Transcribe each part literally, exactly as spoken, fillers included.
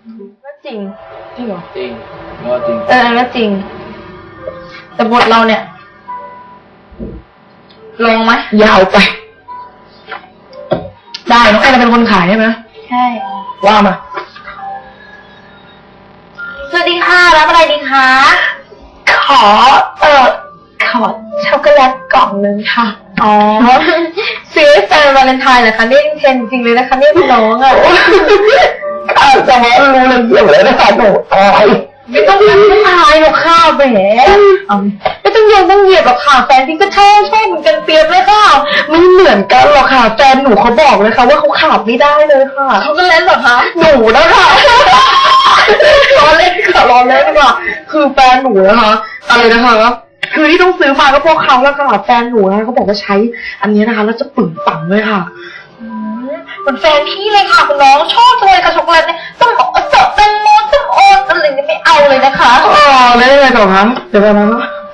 ก็จริงจริงเหรอจริงก็จริงเออก็จริงแต่บทเราเนี่ยลงไหมยาวไปได้น้องแอนเป็นคนขายใช่ไหมใช่ว่ามาสวัสดีค่ะรับอะไรดีคะขอเออขอช็อกโกแลตกล่องนึงค่ะอ๋อซื้อแฟนวาเลนไทน์เหรอคะนี่เทนจริงเลยนะคะนี่พี่น้องอ่ะข้าวจะมารู้เรื่องเกี่ยวเลยนะคะหนูอายไม่ต้องทำไม่ทายหรอกค่ะแหมไม่ต้องโยนต้องเหยียบหรอกค่ะแฟนพี่ก็ชอบชอบเหมือนกันเปรียบเลยค่ะไม่เหมือนกันหรอกค่ะแฟนหนูเขาบอกเลยค่ะว่าเขาขาดไม่ได้เลยค่ะเขาก็เล่นหรอคะหนูนะคะล้อเล่นค่ะล้อเล่นค่ะคือแฟนหนูนะคะอะไรนะคะคือที่ต้องซื้อมาก็เพราะเขาแล้วค่ะแฟนหนูนะเขาบอกว่าใช้อันนี้นะคะแล้วจะปึ่งปังเลยค่ะเหมือนแฟนพี่เลยค่ะคุณน้องชอบจังเลยค่ะช็อกโกแลตเนี่ยต้องบอกว่าสดแตงโมส้มโออะไรนี่ไม่เอาเลยนะคะอ๋อแล้วยังไงต่อคะเดี๋ยวไปนะ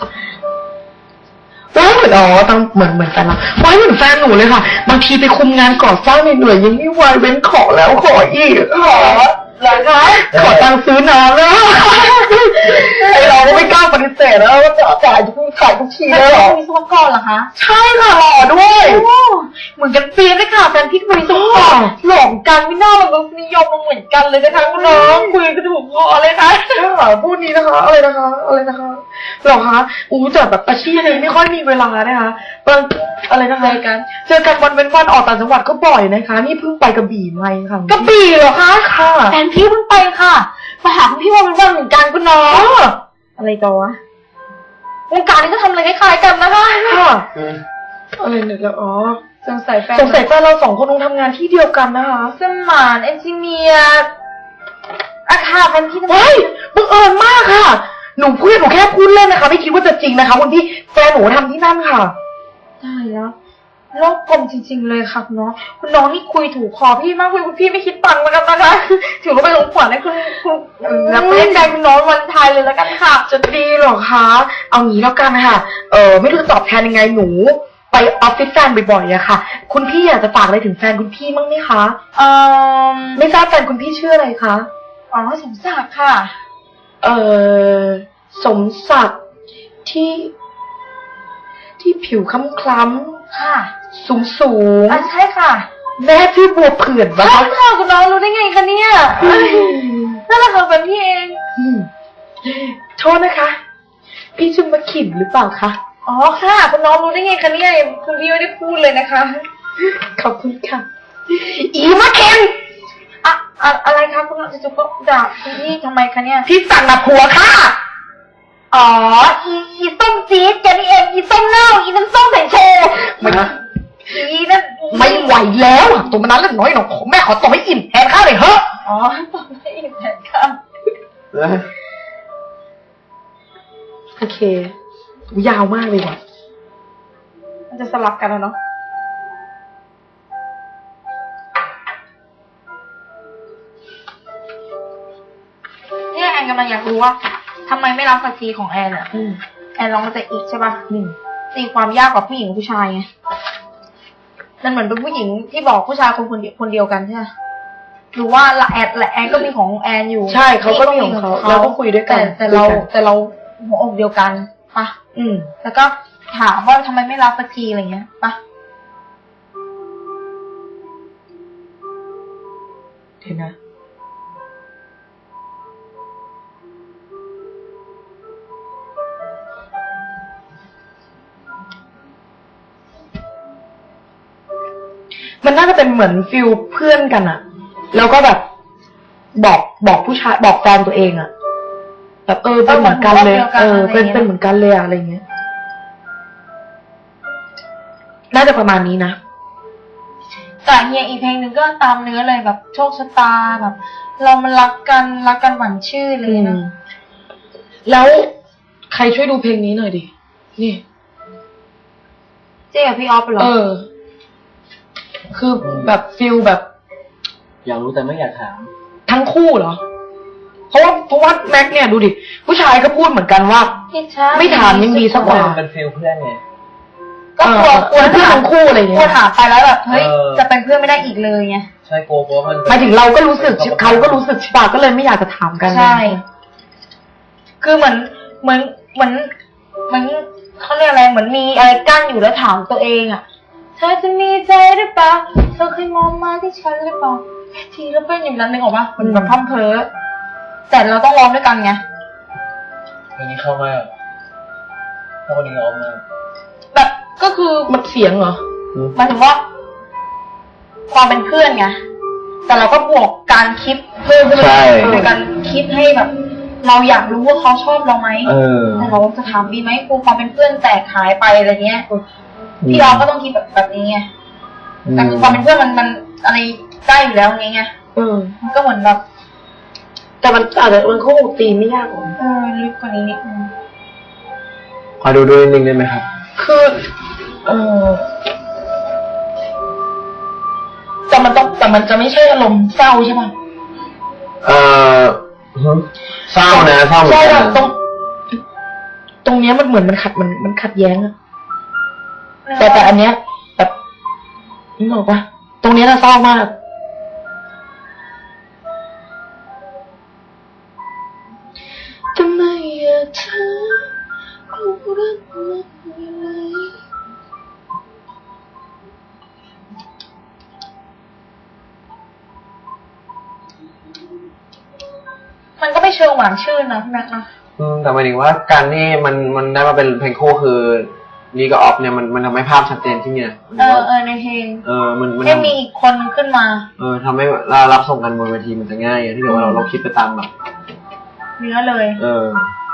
ว้ายเหมือนอ๋อตั้งเหมือนเหมือนกันละว้ายเหมือนแฟนหนูเลยค่ะบางทีไปคุมงานก่อสร้างเหนื่อยยังไม่ไหวเว้นขอแล้วขออีกขอเหรอคะขอตังค์ซื้อน้ำแล้วไอเราก็ไม่กล้าปฏิเสธแล้วว่าจะจ่ายทุกขายทุกทีเลยหรอมีสมกรเหรอคะใช่ค่ะหล่อด้วยเหมือนกันเปียเลยค่ะแฟนพี่ก็มีสมกรหล่อกันไม่น่ามันนิยมมันเหมือนกันเลยนะคะคุณน้องคุยกันถูกคอเลยค่ะค่ะพูดนี้นะคะอะไรนะคะอะไรนะคะหรอคะอู้แต่แบบอาชีพนี้ไม่ค่อยมีเวลานะคะบางอะไรนะคะเจอกันเจอกันวันเว้นวันออกต่างจังหวัดก็บ่อยนะคะนี่เพิ่งไปกระบี่มาค่ะกระบี่เหรอคะค่ะแฟนพี่เพิ่งไปค่ะไปหาคุณพี่วันเป็นวันเหมือนกันคุณน้องอะไรต่อวะวงการนี้ก็ทำอะไรคล้ายๆกันนะคะค่ะอะไรเนี่ยอ๋อสงสัยแฟนสงสัยแฟนเราสองคนต้องทำงานที่เดียวกันนะคะสมานเอนจิเนียร์อาคาเป็นที่ทำงานเฮ้ยบังเอิญมากค่ะหนูพูดหนูแค่พูดเล่นนะคะไม่คิดว่าจะจริงนะคะคุณพี่แฟนหนูทำที่นั่นค่ะใช่แล้วโลกกลมจริงๆเลยค่ะคุณน้องคุณน้องนี่คุยถูกคอพี่มากคุณพี่ไม่คิดตังค์แล้วกันนะคะถือว่าเป็นของขวัญให้คุณคุณรับเล่นใจคุณน้องวันไทยเลยแล้วกันค่ะจะดีหรอคะเอางี้แล้วกันค่ะเออไม่รู้จะตอบแทนยังไงหนูไปออฟฟิศแฟนบ่อยๆอะค่ะคุณพี่อยากจะฝากอะไรถึงแฟนคุณพี่มั้งไหมคะเออไม่ทราบแฟนคุณพี่ชื่ออะไรคะอ๋อสมศักดิ์ค่ะเออสมศักดิ์ที่ที่ผิวคล้ำๆค่ะสูงสูงอ่ะใช่ค่ะแม่ชื่อบัวเผื่อนปะใช่ค่ะคุณน้องรู้ได้ไงคะเนี่ยนั่นแหละค่ะเป็นพี่เองโทษนะคะพี่ชื่อมะขิมหรือเปล่าคะอ๋อค่ะคุณน้องรู้ได้ไงคะเนี่ยคุณพี่ไม่ได้พูดเลยนะคะขอบคุณค่ะอีมะเข็มอะอะไรคะคุณน้องจะจุกด่าคุณพี่ทำไมคะเนี่ยพี่สั่งมาผัวค่ะอ๋ออีอีส้มจี๊ดแกนี่เองอีส้มเน่าอีน้ำส้มใส่โชว์ไม่อีนั่นไม่ไหวแล้วตัวมันนั้นเล็กน้อยหนอแม่ขอต่อให้อิ่มแทนข้าวเลยเฮ้ออ๋อต่อให้อิ่มแทนข้าวโอเคยาวมากเลยว่ะมันจะสลับกันแล้วเนาะเนี่ยแอนกำลังอยากรู้ว่าทำไมไม่รับสักทีของแอนอ่ะแอนลองมาแต่อีกใช่ป่ะตีความยากกว่าผู้หญิงกับผู้ชายไงนั่นเหมือนเป็นผู้หญิงที่บอกผู้ชายคนคนเดียวคนเดียวกันใช่ไหมหรือว่าละแอนละแอนก็มีของแอนอยู่ใช่เขาก็มีของเขาเราก็คุยด้วยกันแต่เราแต่เราหัวอกเดียวกันป่ะอืมแล้วก็ถามว่าทำไมไม่รับสักทีอะไรเงี้ยป่ะเห็นนะมันน่าจะเป็นเหมือนฟิลเพื่อนกันอะแล้วก็แบบบอกบอกผู้ชายบอกแฟนตัวเองอะแบบเออเป็นเหมือนกันเลยเออเป็นเป็นเหมือนกันเลยอะไรเงี้ยน่าจะประมาณนี้นะแต่เฮียอีกเพลงหนึ่งก็ตามเนื้อเลยแบบโชคชะตาแบบเรามันรักกันรักกันหวานชื่อเลยนะแล้วใครช่วยดูเพลงนี้หน่อยดินี่เจ๊กับพี่ออฟเหรอเออคือแบบฟิลแบบอยากรู้แต่ไม่อยากถามทั้งคู่เหรอเพราะว่าเพราะว่าแม็กเนี่ยดูดิผู้ชายก็พูดเหมือนกันว่าไม่ถามยังดีสักกว่าเป็นฟิลเพื่อนไงก็กลัวกลัวเพื่อนทั้งคู่อะไรเงี้ยกลัวถามไปแล้วแบบเฮ้ยจะเป็นเพื่อนไม่ได้อีกเลยไงใใช่กลัวเพราะว่ามันหมายถึงเราก็รู้สึกเขาก็รู้สึกใช่ป่ะก็เลยไม่อยากจะถามกันใช่ คือเหมือนเหมือนเหมือนเหมือนเขาเรียกอะไรเหมือนมีอะไรกั้นอยู่แล้วถามตัวเองอ่ะเธอจะมีใจหรือเปล่าเธอเคยมองมาที่ฉันหรือเปล่าทีแล้วเป็นอย่างนั้นนึกออกปะเหมือนแบบพร่ำเพ้อแต่เราต้องร้องด้วยกันไงเพลงนี้เข้ามากเข้าคนนี้ร้องมากแบบก็คือมันเสียงเหรอหมายถึงว่า ความเป็นเพื่อนไงแต่เราก็บวกการคิดเพิ่มขึ้นไปโดยการคิดให้แบบ เราอยากรู้ว่าเขาชอบเราไหมเออแต่เราจะถามดีไหมครูความเป็นเพื่อนแตกหายไปอะไรเงี้ยพี่เราก็ต้องคิดแบบแบบนี้ไงแต่คือความเป็นเพื่อนมันมันอะไรได้อยู่แล้วนี้ไงเออมันก็เหมือนแบบแต่มันอาจจะมันเขาคงตีไม่ยากหรอกเออลึกกว่านี้นิดนึงขอดูด้วยนิดนึงได้ไหมครับคือเออแต่มันต้องแต่มันจะไม่ใช่อารมณ์เศร้าใช่ป่ะเออเศร้านะเศร้าเหมือนใช่กัแบบนตรง ตรงเนี้ยมันเหมือนมันขัดมันมันขัดแย้งอะแต่แต่อันเนี้ยแบบนึกออกปะตรงเนี้ยน่ะเศร้ามากทำไมอะเธอรู้รักมันยังไงมันก็ไม่เชิงหวานชื่นนะพี่แม็กซ์นะอืมแต่หมายถึงว่าการที่มันมันได้มาเป็นเพลงคู่คือนี่กับออฟเนี่ยมันมันทำให้ภาพชัดเจนที่เนี่ยมันเออว่าเออในเพลงเออมันมันให้ทำมีอีกคนขึ้นมาเออทำให้เรารับส่งกันบนเวทีมันจะง่ายอะที่เกิดว่าเราเราคิดไปตามแบบเนื้อเลยเออ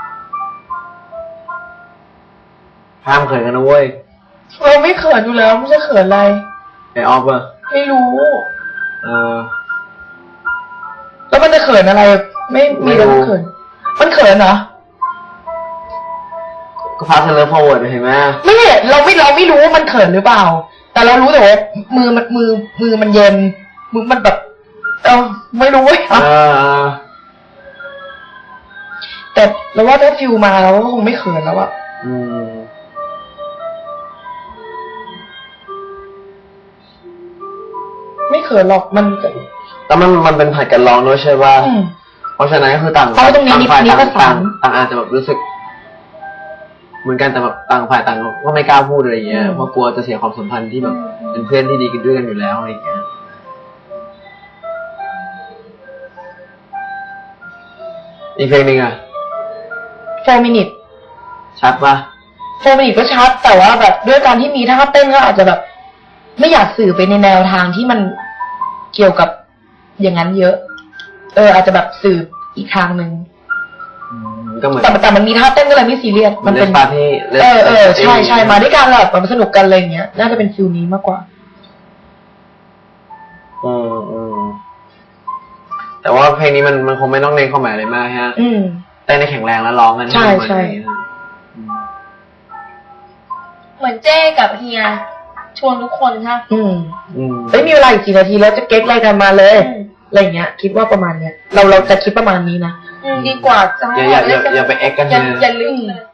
ห้ามเขินกันนะเว้ยเราไม่เขินอยู่แล้วไม่ใช่เขินอะไรไอออฟอะไม่รู้เออแล้วมันจะเขินอะไร ไม่มีอะไรไม่รู้เขิน มันเขินเหรอก็พาเซเลอร์พาวเวิร์ดเห็นไหมไม่เห็นเราไม่เราไม่รู้ว่ามันเขินหรือเปล่า แต่เรารู้แต่ว่ามือมันมือมือมันเย็นมือมันแบบเออไม่รู้เว้ยเออเออแต่เราว่าถ้าฟิวมาเราก็คงไม่เขินแล้วอะอืมไม่เขินหรอกมันแล้วมันมันเป็นผัดกันร้องด้วยใช่ป่ะอืมเพราะฉะนั้นก็คือต่างเพราะตรงนี้ต่างฝ่ายนี่ต่างประสาต่าน งต่างอาจจะแบบรู้สึก เหมือนกันแต่แบบต่างฝ่ายต่างก็ไม่กล้าพูดอะไรอย่างเงี้ยอืมเพราะกลัวจะเสียความสัมพันธ์ที่แบบเป็นเพื่อนที่ดีกันด้วยกันอยู่แล้วอะไรอย่างเงี้ยอีกเพลงหนึ่งอะโฟมินิตชัดป่ะโฟมินิตก็ชัด แต่ว่าแบบด้วยการที่มีท่าเต้นก็อาจจะแบบ ไม่อยากสื่อไปในแนวทางที่มันเกี่ยวกับอย่างนั้นเยอะ เออ อาจจะแบบสื่ออีกทางหนึ่งอืมก็เหมือนแต่แต่มันมีท่าเต้นก็เลยไม่ซีเรียสมันเป็นปาร์ตี้เออเออใช่ใช่มาด้วยกันแหละแบบสนุกกันอะไรอย่างเงี้ย น่าจะเป็นฟิลนี้มากกว่าอืมอืมแต่ว่าเพลงนี้มันมันคงไม่ต้องเน้นความหมายอะไรมากฮะอืมเต้นในแข็งแรงแล้วร้องกันใช่ห้มันใช่อย่างนี้นะอืมเหมือนเจ้กับเฮียชวนทุกคนใช่ไหมอืมอืมเอ้ยมีเวลาอีกกี่นาทีแล้วจะเก็ตอะไรกันมาเลยอืมอะไรอย่างเงี้ย คิดว่าประมาณเนี้ย เราเราจะคิดประมาณนี้นะอืมดีกว่าจะอย่าอย่าอย่าอย่าไปเอ็กกันอย่าเลยอย่าลืมเลย